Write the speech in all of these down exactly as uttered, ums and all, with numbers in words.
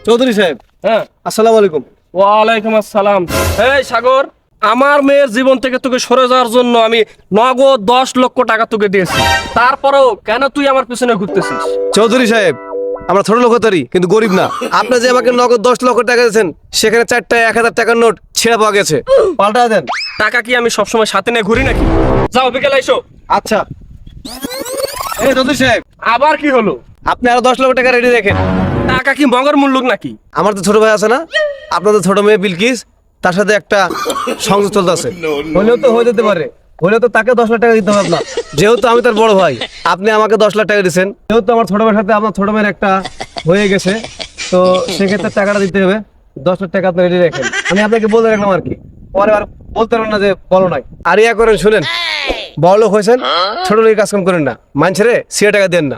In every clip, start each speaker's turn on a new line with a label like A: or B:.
A: চৌধুরী সাহেব,
B: হ্যাঁ,
A: আসসালামু আলাইকুম।
B: ওয়ালাইকুম আসসালাম। এই সাগর, আমার মেয়ের জীবন থেকে তোকে সরে যাওয়ার জন্য আমি নগদ দশ লক্ষ টাকা তোকে দিয়েছি, তারপরেও কেন তুই আমার পিছনে ঘুরতেছিস?
A: চৌধুরী সাহেব, আমরা ছোট লোকতারি কিন্তু গরিব না। আপনি যে আমাকে নগদ দশ লক্ষ টাকা দিয়েছেন, সেখানে চারটা এক হাজার টাকার নোট ছেঁড়া পাওয়া গেছে, পাল্টা দেন।
B: টাকা কি আমি সবসময় সাথে নিয়ে ঘুরি নাকি? যাও বিকেলে এসো।
A: আচ্ছা। এই চৌধুরী সাহেব,
B: আবার কি হলো?
A: আপনি আরো দশ লক্ষ টাকা রেডি রাখেন।
B: টাকা কি মগর মূল্যক নাকি?
A: আমার তো ছোট ভাই আছে না, আপনাদের ছোট মেয়ে বিলকিস, তার সাথে একটা সংযোগ চলতেছে। হলেও তো হয়ে যেতে পারে, হলেও তো তাকে দশ লাখ টাকা দিতে হবে আপনার। যেহেতু আমি তার বড় ভাই, আপনি আমাকে দশ লাখ টাকা দিচ্ছেন, যেহেতু আমার ছোট ভাইয়ের সাথে আপনার ছোট মেয়ের একটা হয়ে গেছে, তো সেক্ষেত্রে টাকাটা দিতে হবে। দশ লাখ টাকা আপনি রেডি রাখেন। আমি আপনাকে বলে রাখলাম আর কি, পরে আর বলতে পারবেন না যে বলো নাই। আর ইয়া করেন, শুনেন, বড় লোক হয়েছেন, ছোট লোকের কাজ কাম করেন না, মানুষের সিয়া টাকা দেন না।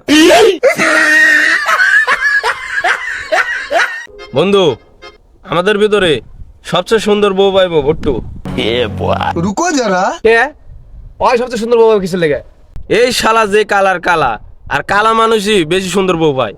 B: বন্ধু, আমাদের ভিতরে সবচেয়ে সুন্দর বউ পাইবো ভট্টু।
C: रुको जरा।
A: কে ওই সবচেয়ে সুন্দর বাবা কিছু লেগে?
B: এই শালা যে কালার কালা, আর কালা মানুষই বেশি সুন্দর বউ পায়।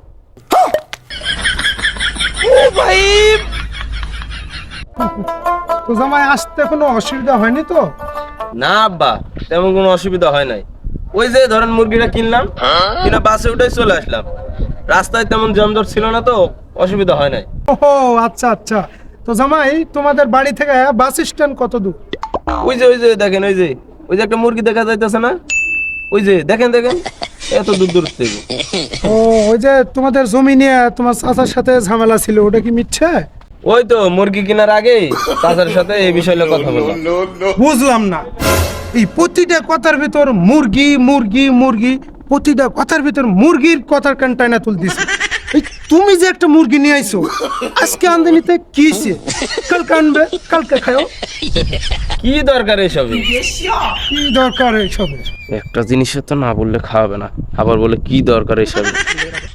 C: তো জামাই আসতে কোনো অসুবিধা হয়নি তো?
B: না আব্বা, তেমন কোনো অসুবিধা হয় নাই। ওই যে ধরেন মুরগিটা কিনলাম, কিনা বাসে উঠে চলে আসলাম। রাস্তায় তেমন জমজট ছিল না, তো অসুবিধা হয় নাই।
C: ওহো, আচ্ছা আচ্ছা। তো জামাই, তোমাদের বাড়ি থেকে বাস স্ট্যান্ড কত দূর?
B: ওই যে ওই যে দেখেন, ওই যে ওই যে একটা মুরগি দেখা যাইতেছে না, ওই যে দেখেন দেখেন, এত দূর দূর থেকে।
C: ও, ওই যে তোমাদের জমি নিয়ে তোমার চাচার সাথে ঝামেলা ছিল, ওটা কি মিথ্যে?
B: ওই তো মুরগি কেনার আগে চাচার সাথে এই বিষয়ে কথা বললাম।
C: বুঝলাম না, এই প্রতিটা কথার ভিতর মুরগি মুরগি মুরগি, প্রতিটা কথার ভিতর মুরগির কথার কানটাইনা তুলতেছে। এই তুমি যে একটা মুরগি নিয়ে আইছো, আজকে আমদানিতে কি হইছে? কালকে আনবে, কালকে খাও।
B: কি দরকার এসবে?
C: কি দরকার এসবের?
B: একটা জিনিসের তো না বললে খাওয়াবে না, আবার বলে কি দরকার এসবে।